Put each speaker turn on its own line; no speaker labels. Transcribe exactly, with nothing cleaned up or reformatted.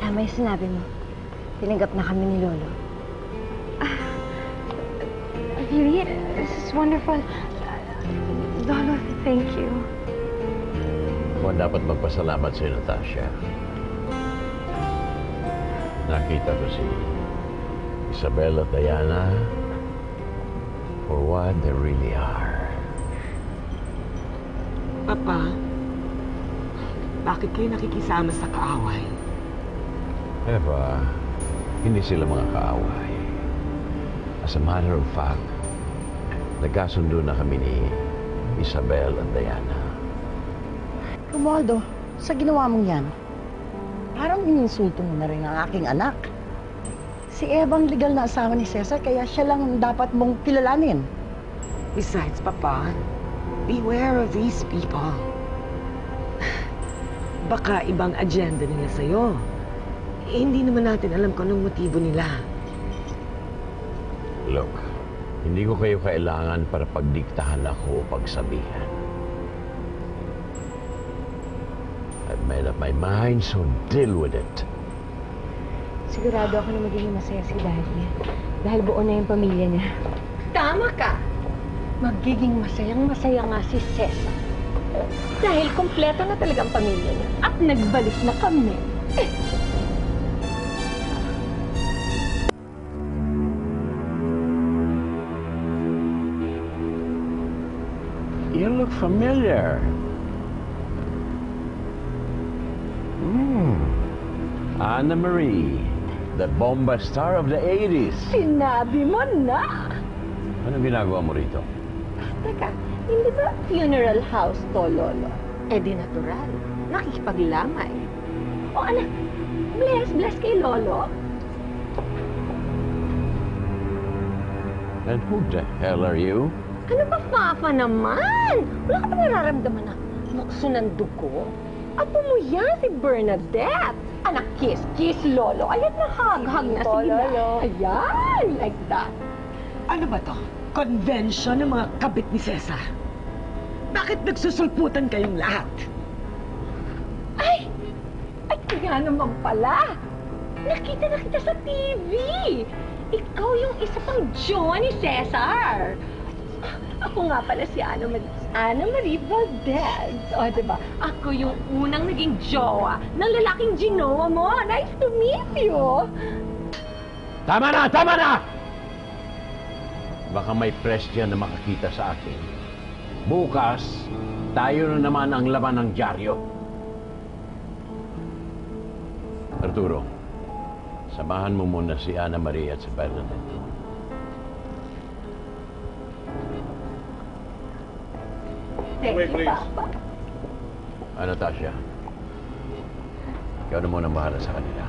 Tama yung sinabi mo. Tinanggap na kami ni Lolo. Ah, really? This is wonderful. Lolo, thank you.
Ako ang dapat magpasalamat sa Natasha. Nakita ko si Isabel at Diana for what they really are.
Papa, bakit kayo nakikisama sa kaaway?
Eva, hindi sila mga kaaway. As a matter of fact, nagkasundo na kami ni Isabel at Diana.
Romualdo, sa ginawa mong yan, parang ininsulto mo na rin ang aking anak. Si Eva ang legal na asawa ni Cesar, kaya siya lang dapat mong kilalanin.
Besides, Papa, beware of these people. Baka ibang agenda nila sa'yo. Eh, hindi naman natin alam kung anong motibo nila.
Look, hindi ko kayo kailangan para pagdiktahan ako o pagsabihan. I've made up my mind, so deal with it.
Sigurado ako na magiging masaya si Daddy. Dahil buo na yung pamilya niya.
Tama ka. Magiging masayang-masaya nga si Cesar. Dahil kompleto na talagang pamilya niya. At nagbalik na kami. Eh.
You look familiar. Hmm. Anna Marie, the bomba star of the eighties.
Sinabi mo na.
Anong ginagawa mo rito?
Teka, hindi ba funeral house to, Lolo? Eh di natural. Nakikipaglamay. O anak, bless, bless kay Lolo.
And who the hell are you?
Ano ba, Papa naman? Wala ka ba nararamdaman na bukso ng dugo? Apo mo yan, si Bernadette. Anak, kiss, kiss, Lolo. Ayan na, hug-hug na. Sige na. Ayan, like that.
Ano ba to? Convention ng mga kabit ni Cesar? Bakit nagsusulputan kayong lahat?
Ay! Ay, kaya naman pala. Nakita na kita sa T V. Ikaw yung isa pang jowa ni Cesar. Ako nga pala si Ana Marie. Ana Marie Valdez. O, diba? Ako yung unang naging jowa ng lalaking ginowa mo. Nice to meet you.
Tama na! Tama na! Baka may press dyan na makakita sa akin. Bukas, tayo na naman ang laman ng dyaryo. Arturo, samahan mo muna si Ana Maria at si Bernadette.
Thank you, Papa.
Ah, Natasha, ikaw na muna bahala sa kanila.